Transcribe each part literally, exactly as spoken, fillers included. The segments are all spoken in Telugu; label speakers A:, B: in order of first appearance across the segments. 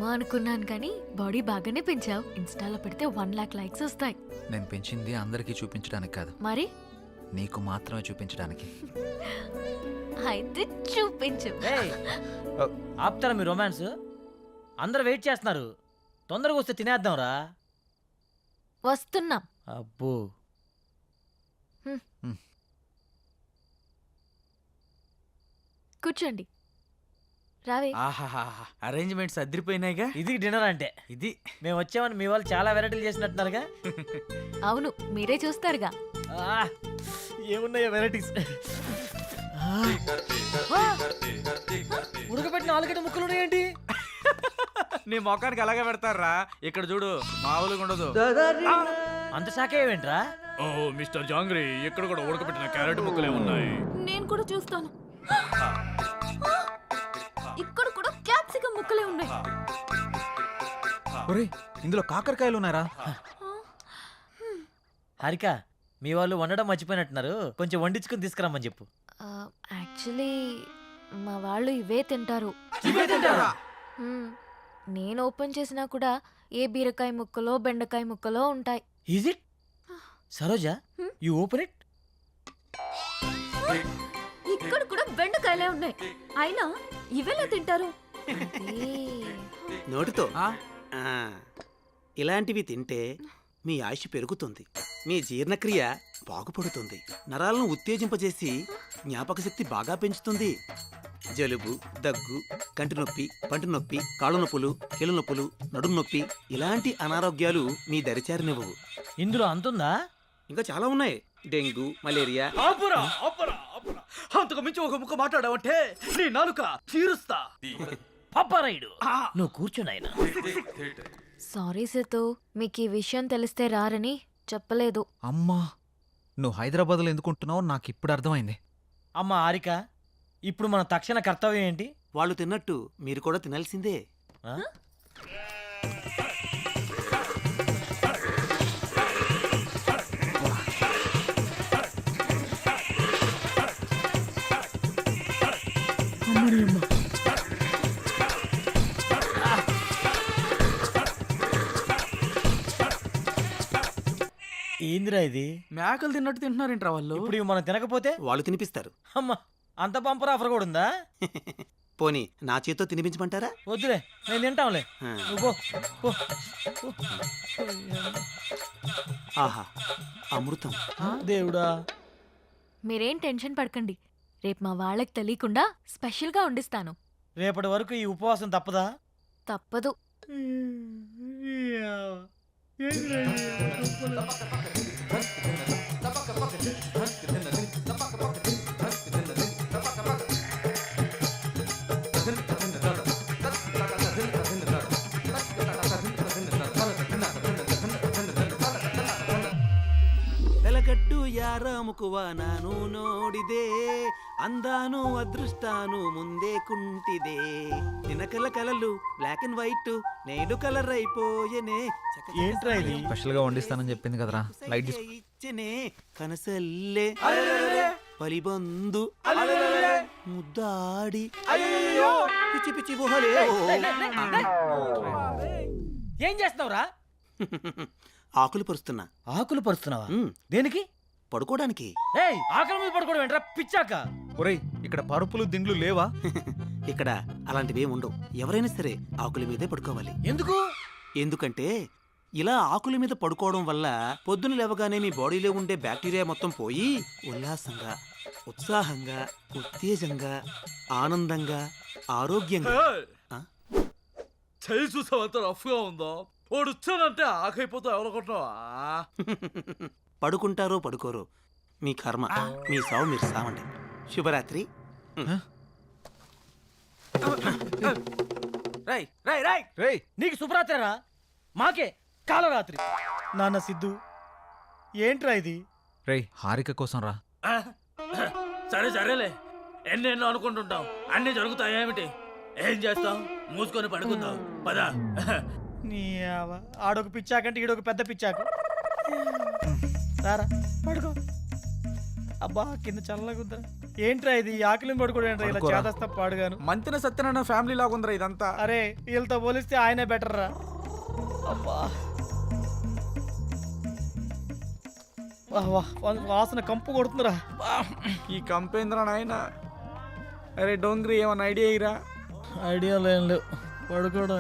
A: ఏమో అనుకున్నాను కానీ బాడీ బాగానే పెంచావు. ఇన్స్టాలో పెడితే వన్ లాక్ లైక్స్ వస్తాయి.
B: నేను పెంచింది అందరికీ చూపించడానికి కాదు,
A: మరి
B: నీకు మాత్రమే చూపించడానికి.
A: అయితే చూపించు.
C: ఆపుతారా మీ రొమాన్స్? అందరు వెయిట్ చేస్తున్నారు, తొందరగా వస్తే తినేద్దాం రా.
A: వస్తున్నాం.
C: అబ్బో
A: కూర్చోండి. రావే.
D: ఆహాహా, అరేంజ్మెంట్స్ అదిరిపోయినాయిగా.
C: ఇది డిన్నర్ అంటే.
D: ఇది
C: మేము వచ్చామని మీ వాళ్ళు చాలా వెరైటీలు చేసినట్టున్నారుగా.
A: అవును, మీరే చూస్తారుగా.
C: ఆ, ఏమున్నాయో వెరైటీస్. ఉడకబెట్టిన ఆలుగడ్డ ముక్కలు ఉన్నాయేంటి?
D: నీ మొఖానికి అలాగే పెడతారా. ఇక్కడ చూడు, మామూలుగా ఉండదు.
C: అంత శాఖ ఏమేంట్రా?
D: ఓ మిస్టర్ జాంగ్రీ, ఇక్కడ కూడా ఉడకబెట్టిన క్యారెట్ ముక్కలే ఉన్నాయి.
A: నేను కూడా చూస్తాను. ఇక్కడ కూడా క్యాప్సికం ముక్కలే ఉన్నాయి.
B: ఒరేయ్, ఇందులో కాకరకాయలు ఉన్నారా?
C: హారిక, మీ వాళ్ళు వండడం మర్చిపోయినట్టున్నారు, కొంచెం వండించుకుని తీసుకురమ్మని చెప్పు.
A: యాక్చువల్లీ మా వాళ్ళు ఇవే తింటారు. హ్మ్. నేను ఓపెన్ చేసినా కూడా ఏ బీరకాయ ముక్కలో బెండకాయ ముక్కలో ఉంటాయి.
C: Is it? Saroja, you open it.
A: ఇక్కడ కూడా బెండకాయలే ఉన్నాయి, అయినా ఇవేలా తింటారు?
E: నోటితో ఇలాంటివి తింటే మీ ఆయుష్ పెరుగుతుంది, మీ జీర్ణక్రియ బాగుపడుతుంది, నరాలను ఉత్తేజింపజేసి జ్ఞాపక శక్తి బాగా పెంచుతుంది. జలుబు, దగ్గు, కంటి నొప్పి, పంటి నొప్పి, కాళ్ళ నొప్పులు, కీళ్ళ నొప్పులు, నడుము నొప్పి ఇలాంటి అనారోగ్యాలు మీ దరిచారినివ్వవు.
C: ఇందులో అంతుందా?
E: ఇంకా చాలా ఉన్నాయి. Dengue, malaria.
D: అంతకు మించి ఒక ముక్క మాట్లాడావంటే నీ నాలుక చీరుస్తా.
C: పాపారాయుడు, నువ్వు కూర్చున్నాయన.
A: సారీ సేతు, మీకు ఈ విషయం తెలిస్తే రారని చెప్పలేదు.
B: అమ్మా, నువ్వు హైదరాబాద్లో ఎందుకుంటున్నావు నాకు ఇప్పుడు అర్థమైంది.
C: అమ్మ హారిక, ఇప్పుడు మన తక్షణ కర్తవ్యం ఏంటి?
E: వాళ్ళు తిన్నట్టు మీరు కూడా తినాల్సిందే.
C: ఆ? ఏందిరా ఇది?
D: మేకలు తిన్నట్టు తింటున్నారేంట్రా వాళ్ళు?
C: ఇప్పుడు ఇవి మనం తినకపోతే
E: వాళ్ళు తినిపిస్తారు.
C: అమ్మా, అంత బంపర్ ఆఫర్ కూడా ఉందా?
E: పోనీ నా చేత్తో తినిపించమంటారా?
C: వద్దులే, నేను తింటాంలే.
E: ఆ.
C: నువ్వు పో, పో, పో.
E: ఆహా, అమృతం.
C: దేవుడా.
A: మీరేం టెన్షన్ పడకండి, రేపు మా వాళ్ళకి తెలియకుండా స్పెషల్గా వండిస్తాను.
C: రేపటి వరకు ఈ ఉపవాసం తప్పదా?
A: తప్పదు.
E: వెలగట్టు యారాముకువ నాను నోడిదే, అందాను అదృష్టాను ముందే కుంటిదే, నినకల కలలు బ్లాక్ అండ్ వైట్ నేడు కలర్ అయిపోయనే.
C: ఏంట్రా ఇది?
B: స్పెషల్ గా వండిస్తానని చెప్పింది కదరా, లైట్ తీసుకో.
E: ఇచ్చనే కనసల్లే పలిబందు ముద్దాడి పిచ్చి పిచ్చి గుహలే.
C: ఏం చేస్తున్నావురా?
E: ఆకులు పరుస్తున్నా.
C: ఆకులు పరుస్తున్నావా?
E: ఉమ్,
C: దేనికి?
E: పడుకోవడానికి.
C: ఏయ్, ఆకలి మీద పడుకోవడం ఏంట్రా పిచ్చాక?
B: ఒరేయ్, ఇక్కడ పరుపులు దిండ్లు లేవా?
E: ఇక్కడ అలాంటివి ఉండవు. ఎవరైనా సరే ఆకుల మీదే పడుకోవాలి.
C: ఎందుకు?
E: ఎందుకంటే ఇలా ఆకుల మీద పడుకోవడం వల్ల పొద్దున లేవగానే మీ బాడీలో ఉండే బ్యాక్టీరియా మొత్తం పోయి ఉల్లాసంగా, ఉత్సాహంగా, ఉత్తేజంగా, ఆనందంగా, ఆరోగ్యంగా. ఆ?
D: చేయి చూసావంత రఫ్ గా ఉందో, వాడు వచ్చానంటే ఆకైపోతా ఎవరనుకుంటున్నావా?
E: పడుకుంటారో పడుకోరో మీ కర్మ, మీ సావు మీరు సావండి. శుభరాత్రి.
D: రై రై రై
B: రేయ్,
C: నీకు శుభరాత్రిరా, మాకే కాలరాత్రి. నాన్న సిద్ధు, ఏంట్రా ఇది?
B: రేయ్, హారిక కోసం రా.
D: సరే సరేలే, ఎన్నెన్నో అనుకుంటుంటాం, అన్ని జరుగుతాయేమిటి? ఏం చేస్తాం? మూసుకొని పడుకుందాం పదా.
C: నీ ఆవ- ఆడొక పిచ్చాకంటే ఈడొక పెద్ద పిచ్చాకు. రారా పడుకో.
F: అబ్బా కింద చల్లగుద్దా ఏంట్రా ఇది ఆకలిని పడుకోవడం ఏంట్రా ఇలా
B: పడుకోరా.
F: చేదస్తా పాడుగాను.
E: మంతిన సత్యనారాయణ ఫ్యామిలీ లాగుందిరా ఇదంతా.
F: అరే వీళ్ళతో పోలిస్తే ఆయనే బెటర్ రా. అబ్బా వాహ్ వాహ్, వా- వాసన కంపు కొడుతుందిరా.
E: ఈ కంపేంద్ర నాయన. అరే డోంగ్రీ ఏమన్నా ఐడియా ఇరా?
F: ఐడియా లేని లేవు, పడుకోవడం.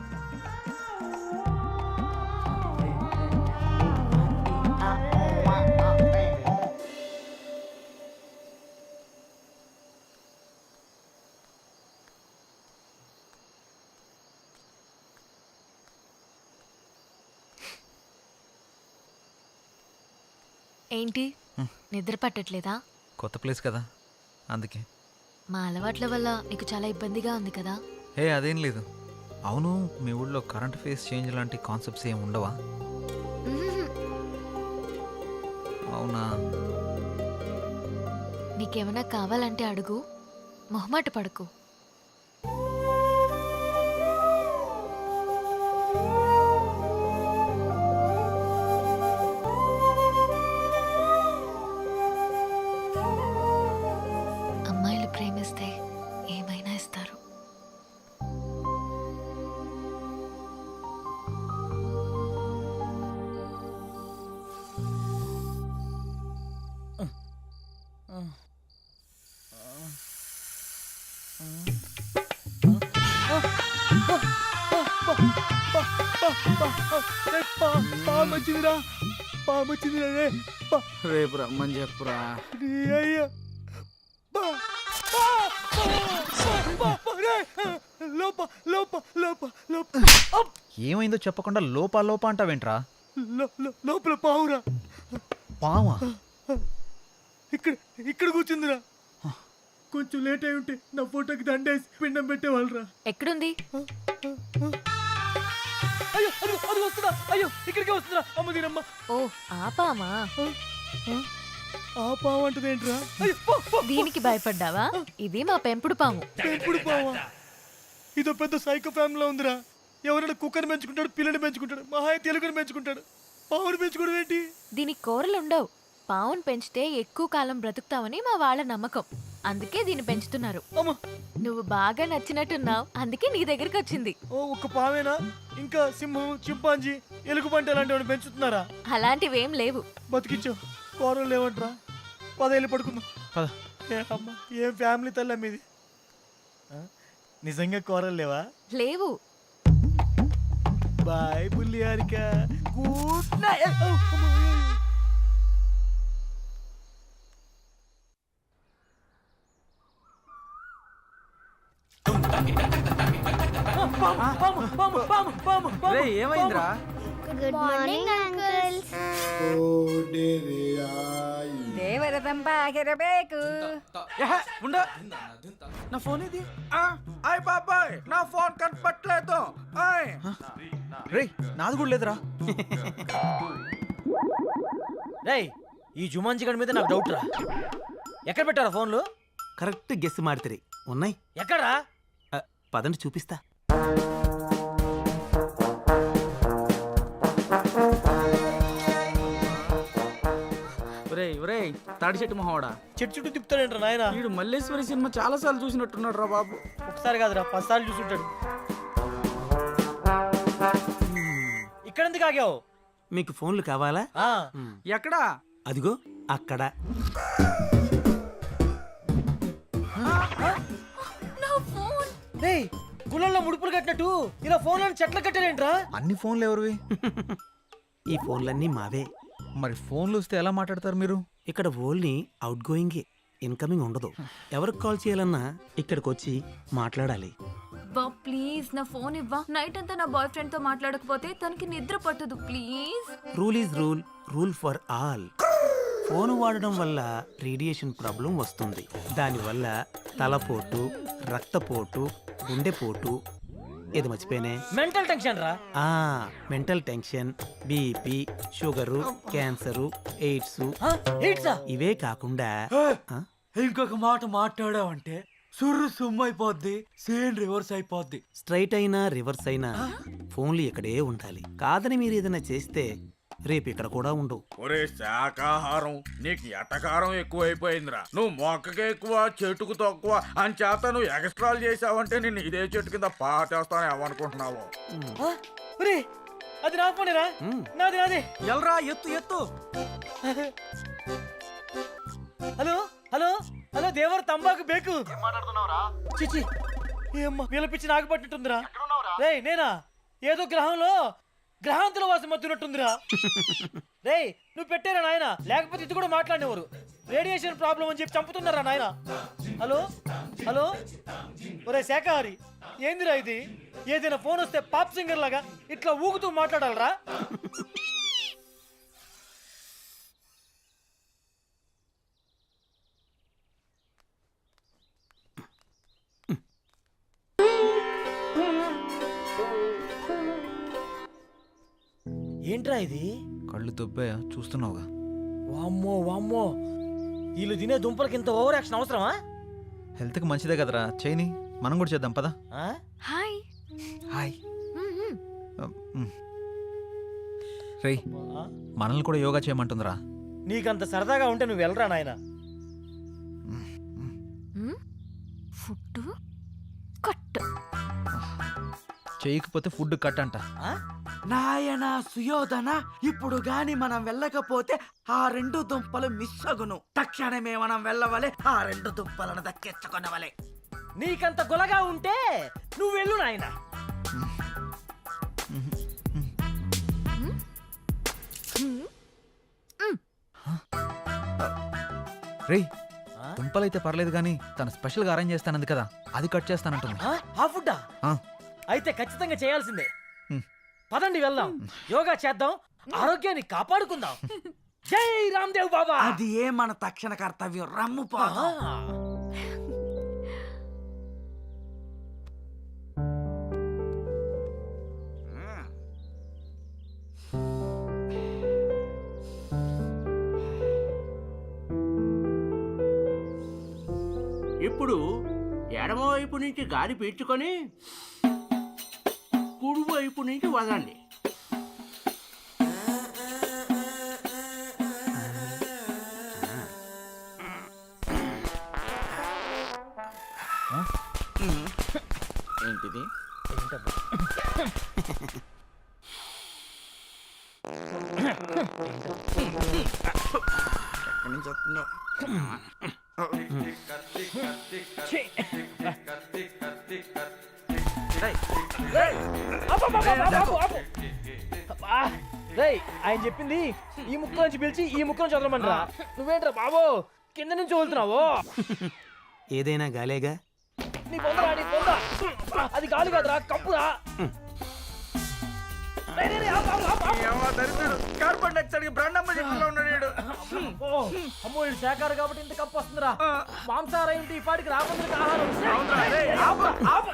A: ఏంటి నిద్ర పట్టట్లేదా?
B: కొత్త ప్లేస్ కదా అందుకే.
A: మా అలవాట్ల వల్ల నీకు చాలా ఇబ్బందిగా ఉంది కదా?
B: హే అదేం లేదు. అవును, మీ ఊళ్ళో కరెంట్ ఫేస్ చేంజ్ లాంటి కాన్సెప్ట్స్ ఏమి ఉండవా?
A: మ్మ్.
B: అవునా?
A: నీకేమైనా కావాలంటే అడుగు, మొహమాట పడకు. అమ్మాయిలు ప్రేమిస్తే ఏమైనా ఇస్తారు.
F: పామొచ్చిందిరా, పామొచ్చిందిరా రే. పా-
E: రేపు రమ్మని చెప్పురా.
F: నీ అయ్యా. పా- పా- పా- పా- పా- రే. లోప లోప లోప లోప అప్.
B: ఏమైందో చెప్పకుండా లోపా లోపా అంటావేంట్రా?
F: లో- లో- లోపల పావురా.
B: పావా?
F: ఇక్కడ ఇక్కడ కూర్చుందిరా. కొంచెం లేట్ అయి ఉంటే నా ఫోటోకి దండేసి పిండం పెట్టేవాళ్ళరా.
A: ఎక్కడుంది?
F: అయ్యో అది అది వస్తుందా? అయ్యో ఇక్కడికే వస్తుందా? అమ్మ దీనమ్మ.
A: ఓ ఆపామా?
F: ఆ పావు అంటది ఏంట్రా? అయ్యో పో, పో.
A: దీనికి భయపడ్డావా? ఇది మా పెంపుడు పాము.
F: పెంపుడు పావా? ఇదో పెద్ద సైకో ఫ్యామిలీలో ఉందిరా. ఎవరైనా కుక్కని పెంచుకుంటాడు, పిల్లని పెంచుకుంటాడు, మహాయ తెలుగుని పెంచుకుంటాడు. పావుని పెంచుకోవడం ఏంటి?
A: దీనికి కూరలు ఉండవు. పావును పెంచితే ఎక్కువ కాలం బ్రతుకుతావని మా వాళ్ళ నమ్మకం. అందుకే దీన్ని పెంచుతున్నారు.
F: అమ్మ
A: నువ్వు బాగా నచ్చినట్టున్నావు, అందుకే నీ దగ్గరికి వచ్చింది.
F: ఓ ఒక్క పావేనా? ఇంకా సింహం, చింపాంజీ, ఎలుగుబంటి అలాంటివి పెంచుతున్నారా?
A: అలాంటివేం లేవు.
F: బతికించో. కూరలు లేవంట్రా. పదేళ్ళు పడుకుందాం.
B: పద.
F: ఏ అమ్మ, ఏం ఫ్యామిలీ తల్లి మీది. ఆ? నిజంగా కూరలు లేవా?
A: లేవు.
F: బాయ్ బుల్లి హారిక. Good night.
E: రే ఏమైందిరా?
G: Good morning uncles.
H: దేవరదంబాగిరಬೇಕು
E: ఏహే, ఉండు. నా ఫోన్ ఇది. ఆ, ఆయ్ బాబాయ్ నా ఫోన్ కనపట్లేదు. ఆయ్.
B: రే నాది కూడా లేదురా.
C: రేయ్ ఈ జుమాన్జీ గడి మీద నాకు డౌట్ రా. ఎక్కడ పెట్టారా ఫోన్లు?
E: కరెక్ట్ గెస్ మాడితే ఉన్నాయి.
C: ఎక్కడా?
E: ఆ, పదండి చూపిస్తా. ఒరేయ్ ఒరేయ్ తాడి చెట్టు మొహవాడా,
F: చెట్టు చుట్టూ తిప్పుతాడేంట్రా నాయన?
E: వీడు మల్లేశ్వరి సినిమా చాలా సార్లు చూసినట్టున్నాడు రా బాబు.
F: ఒకసారి కాదురా, పదిసార్లు చూసుంటాడు.
C: ఇక్కడ ఎందుకు ఆగావు?
E: మీకు ఫోన్లు కావాలా?
C: ఆ,
E: ఎక్కడా? అదిగో అక్కడ.
C: రేయ్ గుళ్ళల్లో ముడుపులు కట్టినట్టు ఇలా ఫోన్లను చెట్లు కట్టారేంట్రా?
B: అన్ని ఫోన్లు ఎవరివి?
E: ఈ ఫోన్లన్నీ మావే.
B: మరి ఫోన్లు వస్తే ఎలా మాట్లాడతారు మీరు?
E: ఇక్కడ ఓన్లీ అవుట్ గోయింగ్, ఇన్కమింగ్ ఉండదు. ఎవరికి కాల్ చేయాలన్నా ఇక్కడికి వచ్చి మాట్లాడాలి.
I: బా ప్లీజ్ నా ఫోన్ ఇవ్వా. నైట్ అంతా నా బాయ్ ఫ్రెండ్ తో మాట్లాడకపోతే తనకి నిద్ర పట్టదు. Please.
E: Rule is rule, rule for all. Phone వాడడం వల్ల రేడియేషన్ ప్రాబ్లం వస్తుంది. దానివల్ల తలపోటు, రక్తపోటు, గుండెపోటు, ఇది మర్చిపోయినే,
C: మెంటల్ టెన్షన్ రా.
E: ఆ mental tension, BP, sugar, cancer, AIDS,
C: ఆ, ఏంట్రా?
E: ఇవే కాకుండా ఆ?
D: ఇంకొక మాట మాట్లాడావంటే సుర్రు సుమ్ము అయిపోద్ది, సేమ్ రివర్స్ అయిపోద్ది.
E: స్ట్రైట్ అయినా రివర్స్ అయినా ఫోన్లు ఇక్కడే ఉండాలి. కాదని మీరు ఏదైనా చేస్తే రేపు ఇక్కడ కూడా ఉండవు.
D: ఒరే శాకాహారం నీకు ఎటకారం ఎక్కువైపోయిందిరా. నువ్వు మొక్కకి ఎక్కువ చెట్టుకు తక్కువ అని చేత నువ్వు ఎక్స్ట్రాలు చేసావంటే నేను ఇదే చెట్టు కింద పాటేస్తాను ఏమనుకుంటున్నావు?
C: ఒరే అది నా ఫోనేరా,
E: మ్.
C: నాది నాది.
F: ఎల్రా ఎత్తు ఎత్తు.
C: హలో హలో హలో దేవర్ తంబాకు బేకు. చిచి ఏమ్మా పిలిపించి నాకు పట్టినట్టుందిరా. రేయ్ నేనా ఏదో గ్రహంలో గ్రహాంతుల వాసం మత్తున్నట్టుందిరా. రేయ్ నువ్వు పెట్టారా నాయన, లేకపోతే ఇది కూడా మాట్లాడినవారు. రేడియేషన్ ప్రాబ్లం అని చెప్పి చంపుతున్నారా నాయన. హలో హలో ఒరే శాఖాహారి ఏందిరా ఇది? ఏదైనా ఫోన్ వస్తే పాప్ సింగర్ లాగా ఇట్లా ఊగుతూ మాట్లాడాలరా? ఏంట్రా ఇది?
B: కళ్ళు దొబ్బాయా చూస్తున్నావుగా.
C: వామ్మో వామ్మో, వీళ్ళు తినే దుంపలకి ఇంత ఓవర్ యాక్షన్ అవసరమా?
B: హెల్త్కి మంచిదే కదరా, చేయని మనం కూడా చేద్దాం పదా.
C: ఆ?
A: హాయ్.
B: హాయ్.
A: మ్మ్, మ్మ్.
B: రేయ్
C: ఆ?
B: మనల్ని కూడా యోగా చేయమంటుందిరా.
C: నీకంత సరదాగా ఉంటే నువ్వు వెళ్ళరా నాయన.
A: మ్మ్? Food cut.
B: చేయకపోతే ఫుడ్ కట్ అంట.
F: నాయన సుయోధన, ఇప్పుడు గాని మనం వెళ్ళకపోతే ఆ రెండు దుంపలు మిస్ అగును. తక్షణమే మనం వెళ్ళవలే, ఆ రెండు దుంపలను దక్కించుకొనవలే.
C: నీకంత గులగా ఉంటే నువ్వు వెళ్ళు నాయన.
B: రేయ్
C: ఆ?
B: దుంపలైతే పర్లేదు కానీ తను స్పెషల్గా అరేంజ్ చేస్తానంది కదా, అది కట్ చేస్తానంటుంది.
C: ఆ? ఆ ఫుడ్డా?
B: ఆ.
C: అయితే ఖచ్చితంగా చేయాల్సిందే.
B: హ్మ్.
C: పదండి వెళ్దాం, యోగా చేద్దాం, ఆరోగ్యాన్ని కాపాడుకుందాం. జై రామ్దేవ్ బాబా.
F: అది ఏ మన తక్షణ కర్తవ్యం. రమ్ము
C: ఆ.
F: పోదాం.
H: ఇప్పుడు ఎడమవైపు నుంచి గాలి పీల్చుకొని కుడివైపు నుంచి వదండి.
E: ఏంటిది? ఎక్కడి నుంచి వస్తుందో?
C: రేయ్ ఆయన చెప్పింది ఈ ముక్క నుంచి పిలిచి ఈ ముక్క నుంచి వదలమంటారా? నువ్వేంట్రా బాబు కింద నుంచి వదులుతున్నావు?
E: ఏదైనా గాలేగా.
C: నీ పొందరా నీ పొంద. అది గాలి కాదురా, కప్పురా. రేయ్, రేయ్, రేయ్, ఆపు, ఆపు, ఆపు, ఆపు.
D: కార్బన్ డైఆక్సైడ్ బ్రాండమ్మ చెట్టులో ఉన్నాడు.
C: ఓ, అమ్మో ఇది శాఖాహారి కాబట్టి ఇంత కప్పు వస్తుందిరా. మాంసాహారం ఏంటి ఈ పాటికి రాబందులకు ఆహారం. ఆపు, ఆపు,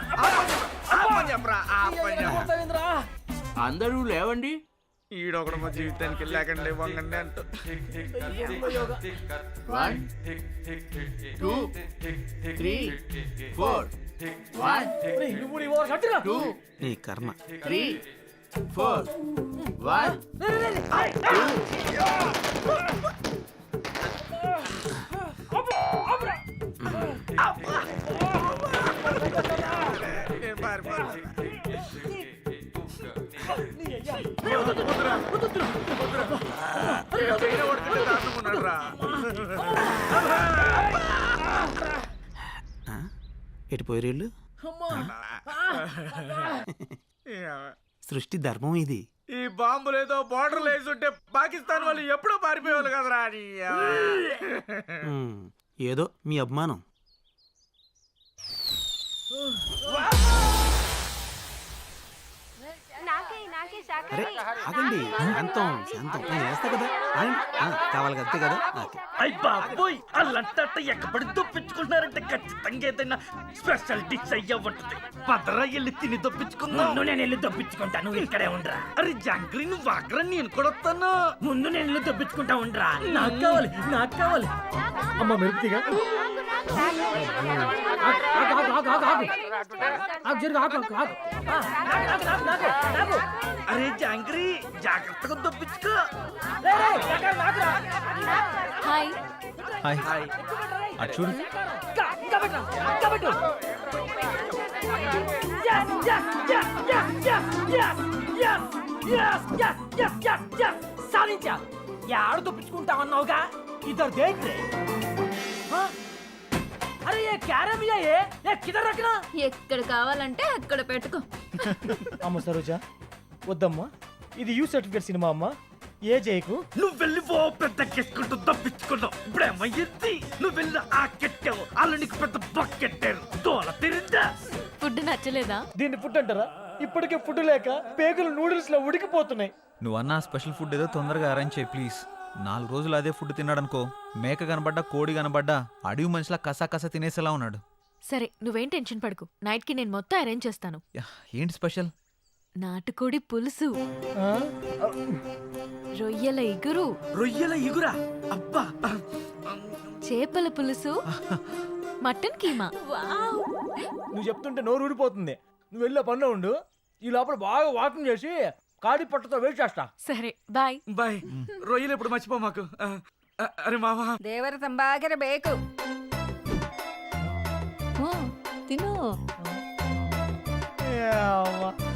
C: ఆపు. ఏదైనా కొడతావేందిరా?
H: అందరూ లేవండి.
D: ఈడొకడు మా జీవితానికి లేకండి వంగండి అంటూ.
C: ఏందో yoga.
H: One two three four one
C: రేయ్, నువ్వు నీ ఓవర్ కట్టురా.
H: టూ
E: నీ కర్మ.
H: త్రీ ఫోర్ వన్
C: రేయ్, రేయ్, రేయ్. ఆపు, ఆపురా. నీ అయ్యా.
E: ఆ? ఎటు పోయిరేళ్ళు?
C: అమ్మా.
E: సృష్టి ధర్మం ఇది.
D: ఈ బాంబులు ఏదో బార్డర్ వేసుంటే పాకిస్తాన్ వాళ్ళు ఎప్పుడో పారిపోయేవాళ్ళు కదరా. నీ
E: ఉమ్, ఏదో మీ అభిమానం. అరే ఆగండి, శాంతం శాంతం. నేను వేస్తా కదా, ఆగండి. ఆ, కావాలి అంతే కదా. ఓకే.
F: అయ్య బాబోయ్, అల్లంట ఎక్కబడి దొప్పించుకుంటున్నారంటే ఖచ్చితంగా ఏదైనా స్పెషల్ డిష్ అయ్యా ఉంటుంది. పదరా వెళ్ళి తిని దొప్పించుకుందాం. ముందు నేను వెళ్ళి దొప్పించుకుంటా, నువ్వు ఇక్కడే ఉండరా. అరే జాంగ్రీ నువ్వు ఆగ్రా, నేను కూడా వస్తాను. ముందు నేను వెళ్ళి దొప్పించుకుంటా ఉండరా.
C: నాకు కావాలి నాకు కావాలి. అమ్మ మెరుపుగా
F: అరే రే జాంగ్రీ జాగ్రత్తగా దొప్పించుకో.
C: రేయ్, రేయ్, ఎక్కడ నాకురా?
A: Hi
B: hi
D: hi.
B: అటు చూడు
C: ఇంకా, ఇంకా పెట్టు, ఇంకా పెట్టు. Yes, yes, yes, yes, yes, yes, yes, yes, yes, yes, yes, yes. సాధించా. యాడ తప్పించుకుంటా అన్నావుగా ఇద్దరు దేంట్రే. అరే ఏ క్యారమియా ఏ ఏ కిదర్ రఖనా.
I: ఎక్కడ కావాలంటే అక్కడ పెట్టుకో.
C: అమ్మ సరోజా వద్దమ్మా, ఇది యూ సర్టిఫికేట్ సినిమా అమ్మా. ఏ జయకు
F: నువ్వు వెళ్ళి ఓ పెద్ద కెట్టుకుంటూ దప్పించుకున్నావు. ఇప్పుడేమయ్యింది? నువ్వు వెళ్ళి ఆ కెట్టావు, వాళ్ళు నీకు పెద్ద బొక్కెట్టారు. తోల తిరిందా?
A: ఫుడ్ నచ్చలేదా?
C: దీన్ని ఫుడ్ అంటారా? ఇప్పటికే ఫుడ్ లేక పేగులు నూడిల్స్ లో ఉడికిపోతున్నాయి.
B: నువ్వు అన్న స్పెషల్ ఫుడ్ ఏదో తొందరగా అరేంజ్ చేయి ప్లీజ్. నాలుగు రోజులు అదే ఫుడ్ తిన్నాడనుకో, మేక కనబడ్డా కోడి కనబడ్డా అడవి మనిషిలా కసా కసా తినేసేలా ఉన్నాడు.
A: సరే నువ్వేం టెన్షన్ పడకు, నైట్ కి నేను మొత్తం అరేంజ్ చేస్తాను.
B: యా, ఏంటి స్పెషల్?
A: నాటుకోడి పులుసు,
C: ఆ?
A: రొయ్యల ఇగురు,
F: రొయ్యల ఇగురా? అబ్బా,
A: చేపల పులుసు, మటన్ కీమా.
C: నువ్వు చెప్తుంటే నోరు ఊడిపోతుంది. నువ్వు వెళ్ళే పనిలో ఉండు, ఈ లోపల బాగా వాకింగ్ చేసి కాడి పట్టతో వెయిట్ చేస్తా.
A: సరే బాయ్.
D: బాయ్. రొయ్యలు ఎప్పుడు మర్చిపో మాకు. ఆ, ఆ, అరే మావా,
I: దేవర సంభాగర బేకు
A: తిను.
C: ఏ అవ్వ.